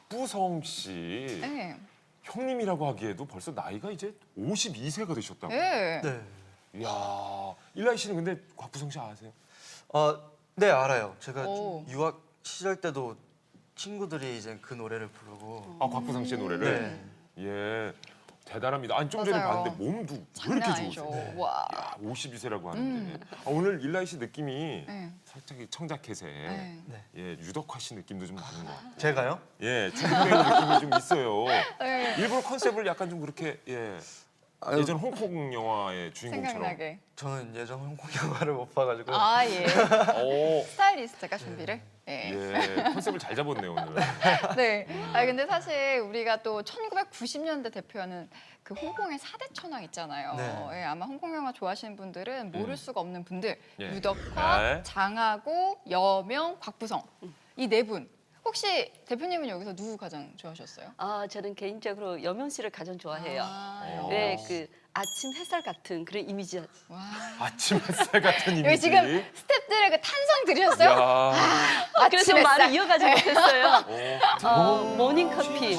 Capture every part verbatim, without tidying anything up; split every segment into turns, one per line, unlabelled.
곽부성 씨
네.
형님이라고 하기에도 벌써 나이가 이제 오십이 세가 되셨다고.
네.
네.
이야, 일라이 씨는 근데 곽부성 씨 아세요?
어, 네 알아요. 제가
오.
유학 시절 때도 친구들이 이제 그 노래를 부르고.
아, 곽부성 씨의 노래를.
네.
예, 대단합니다. 아니 좀 전에
맞아요.
봤는데 몸도 왜
장난
이렇게
아니죠.
좋으세요?
네.
와.
야, 오십이 세라고 하는데 아, 오늘 일라이 씨 느낌이
네.
살짝 이 청자켓에
네.
네.
예, 유덕화 씨 느낌도 좀 나는 것 같아요.
제가요?
예, 중국 배우 느낌이 좀 있어요.
네.
일부러 컨셉을 약간 좀 그렇게 예,
아유,
예전 홍콩 영화의 주인공처럼.
생각나게.
저는 예전 홍콩 영화를 못 봐가지고.
아 예.
오,
스타일리스트가 준비를. 예.
예, 컨셉을 잘 잡았네요 오늘.
네. 아 근데 사실 우리가 또 천구백구십 년대 대표하는 그 홍콩의 사대 천왕 있잖아요.
네.
예, 아마 홍콩 영화 좋아하시는 분들은 모를
음.
수가 없는 분들.
예.
유덕화,
네.
장하고, 여명, 곽부성. 이 네 분. 혹시 대표님은 여기서 누구 가장 좋아하셨어요?
아, 저는 개인적으로 여명 씨를 가장 좋아해요.
아,
어.
네, 그 아침 햇살 같은 그런 이미지.
와.
아침 햇살 같은 이미지.
여기 지금 스탭들의 그 탄성 들으셨어요?
야.
아, 그래서
아침
말을
햇살.
이어가지 못했어요.
오.
어, 모닝 커피.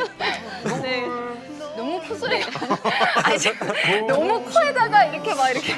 네.
너무 콧소리가 아니, 저- 너무 코에다가 이렇게 막 이렇게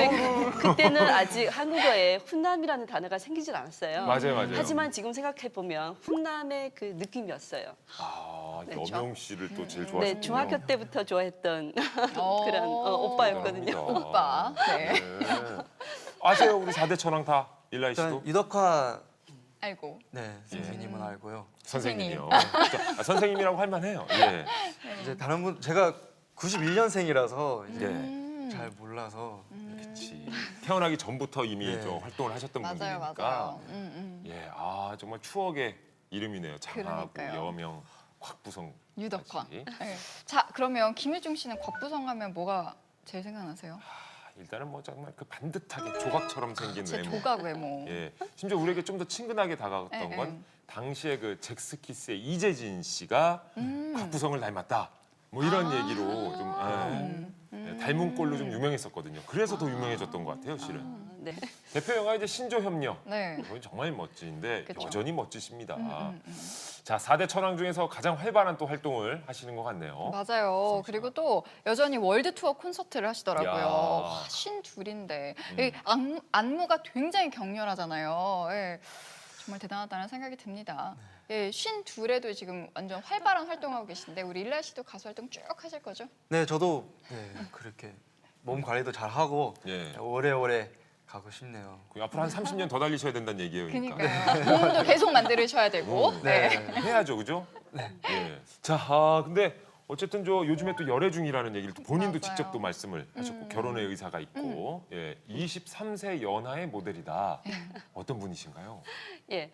네, 그때는 아직 한국어에 훈남이라는 단어가 생기질 않았어요.
맞아요, 맞아요.
하지만 지금 생각해 보면 훈남의 그 느낌이었어요.
아,
네,
여명 씨를 또 제일 좋아하시군요.
네, 중학교 때부터 좋아했던
어.
그런 어, 오빠였거든요.
대단합니다.
오빠. 네.
네. 아세요, 우리 사대 천왕 다 일라이 씨도?
일단 유덕화
알고.
네 선생님은 알고요.
선생님이요. 아, 선생님이라고 할 만해요. 예.
이제 다른 분 제가 구십일 년생이라서 이제
네.
음.
잘 몰라서.
그렇지. 태어나기 전부터 이미
네.
저 활동을 하셨던
맞아요,
분들이니까.
맞아요. 음, 음.
예, 아 정말 추억의 이름이네요. 장하고
그러니까요.
여명, 곽부성.
유덕화.
까지.
네. 자, 그러면 김일중 씨는 곽부성 하면 뭐가 제일 생각나세요?
아, 일단은 뭐 정말 그 반듯하게 조각처럼 생긴
제
외모.
조각 외모.
예, 심지어 우리에게 좀 더 친근하게 다가갔던
예,
건
예.
당시에 그 잭스키스의 이재진 씨가
음.
곽부성을 닮았다. 뭐 이런
아.
얘기로 좀 예,
음.
예, 닮은 꼴로 좀 유명했었거든요. 그래서 더 유명해졌던 것 같아요, 실은.
아, 네.
대표 영화 이제 신조협력.
네.
이건 정말 멋진데
그쵸.
여전히 멋지십니다.
음, 음, 음.
자, 사대 천왕 중에서 가장 활발한 또 활동을 하시는 것 같네요.
맞아요.
어?
그리고 또 여전히 월드 투어 콘서트를 하시더라고요.
야.
와, 신 둘인데
음.
이 안무, 안무가 굉장히 격렬하잖아요. 예. 정말 대단하다는 생각이 듭니다. 예, 신 둘에도 지금 완전 활발한 활동하고 계신데 우리 일라 씨도 가수 활동 쭉 하실 거죠?
네 저도 네, 그렇게 몸 관리도 잘 하고
예.
오래오래 가고 싶네요.
그 앞으로 한 삼십 년 더 달리셔야 된다는 얘기예요. 그러니까.
그러니까요. 몸도 계속 만들으셔야 되고.
어,
네.
해야죠, 그죠? 네. 예. 자, 아, 근데 어쨌든 저 요즘에 또 열애 중이라는 얘기를 또 본인도
맞아요.
직접 또 말씀을 하셨고
음.
결혼의 의사가 있고 예, 이십삼 세 연하의 모델이다.
네.
어떤 분이신가요?
예.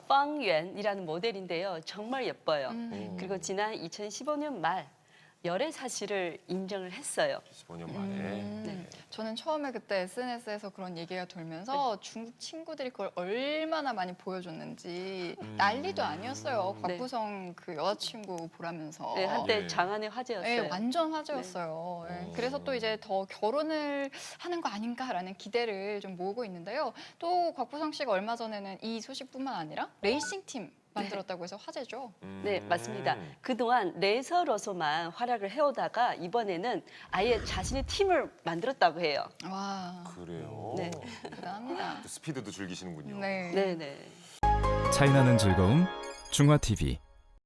빵유엔이라는 모델인데요. 정말 예뻐요.
음.
그리고 지난 이천십오 년 말 열애 사실을 인정을 했어요.
십오 년 만에.
음.
네.
저는 처음에 그때 에스엔에스에서 그런 얘기가 돌면서 중국 친구들이 그걸 얼마나 많이 보여줬는지
음.
난리도 아니었어요.
네.
곽부성 그 여자친구 보라면서.
네, 한때
예.
장안의 화제였어요.
네, 완전 화제였어요. 예,
네.
그래서 또 이제 더 결혼을 하는 거 아닌가라는 기대를 좀 모으고 있는데요. 또 곽부성 씨가 얼마 전에는 이 소식뿐만 아니라 레이싱 팀 만들었다고 해서 화제죠.
음.
네, 맞습니다. 그동안 레이서로서만 활약을 해오다가 이번에는 아예 자신의 팀을 만들었다고 해요.
와,
그래요.
네.
대단합니다.
또 스피드도 즐기시는군요.
네.
네, 네.
차이나는 즐거움 중화티비